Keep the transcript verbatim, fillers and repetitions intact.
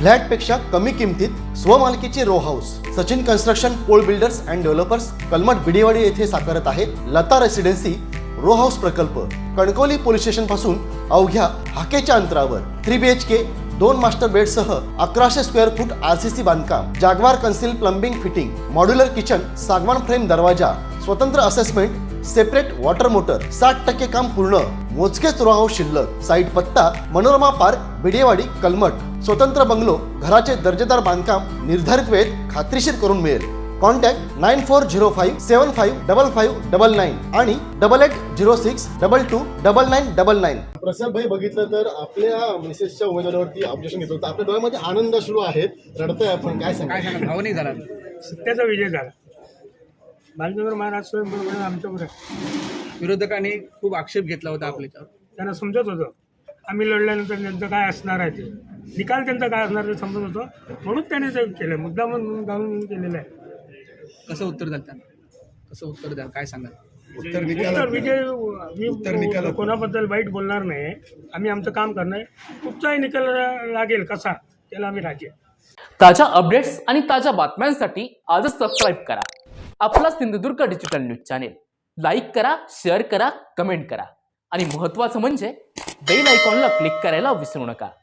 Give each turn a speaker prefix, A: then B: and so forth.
A: फ्लॅटपेक्षा कमी किमतीत स्वमालकीचे row house Sachin construction Pol builders and developers Kalmath Bidewadi येथे साकारत आहे लता रेसिडेन्सी रो हाऊस प्रकल्प। कणकवली पोलीस स्टेशन पासून अवघ्या हाकेच्या अंतरावर थ्री बी एच के दोन मास्टर बेड सह अकराशे square foot R C C बांधकाम, Jaguar concealed plumbing fitting, modular kitchen, सागवान फ्रेम दरवाजा, स्वतंत्र असेसमेंट, सेपरेट वॉटर मोटर, साठ टक्के काम पूर्ण, मोजकेच रो हाऊस शिल्लक। साईट पत्ता मनोरमा पार्क बिडेवाडी कलमठ। स्वतंत्र बंगलो, घराचे दर्जेदार बांधकाम निर्धारित वेळेत खात्रीशीर करून मिळेल। Contact nine four zero five seven five double five double nine आणि double eight zero six double two double nine double nine.
B: Prasad भाई बघितलं तर आपल्या मिसेसच्या उमेदवारावरती ऑब्जेक्शन घेतो तर आपल्या डोळ्यामध्ये आनंद अश्रू आहेत, रडतोय आपण, काय सांगा?
C: काय सांगा, भावनिक झाला.
D: सत्याचा विजय झाला. बालचंद्र महाराज स्वयंपूर्ण आमच्याकडे
C: विरोधकांनी खूप आक्षेप घेतला होता आपल्याच्यावर.
D: त्यांना समजत होतं आम्ही लढल्यानंतर त्यांचं काय असणार आहे, ते निकाल त्यांचा काय असणार ते समजत होतं, म्हणून त्याने ते केलं, मुद्दा म्हणून घालून केलेलं आहे.
C: कसं उत्तर द्याल त्यांना, कसं उत्तर द्याल, काय सांगाल?
D: उत्तर विजय मी कोणाबद्दल वाईट बोलणार नाही. आम्ही आमचं काम करणार, कुठचाही निकाल लागेल कसा त्याला आम्ही राजी.
E: ताज्या अपडेट्स आणि ताज्या बातम्यांसाठी आजच सबस्क्राईब करा आपला Sindhudurg digital news channel. Like करा, शेअर करा, कमेंट करा आणि महत्त्वाचं म्हणजे बेल आयकॉनला क्लिक करायला विसरू नका.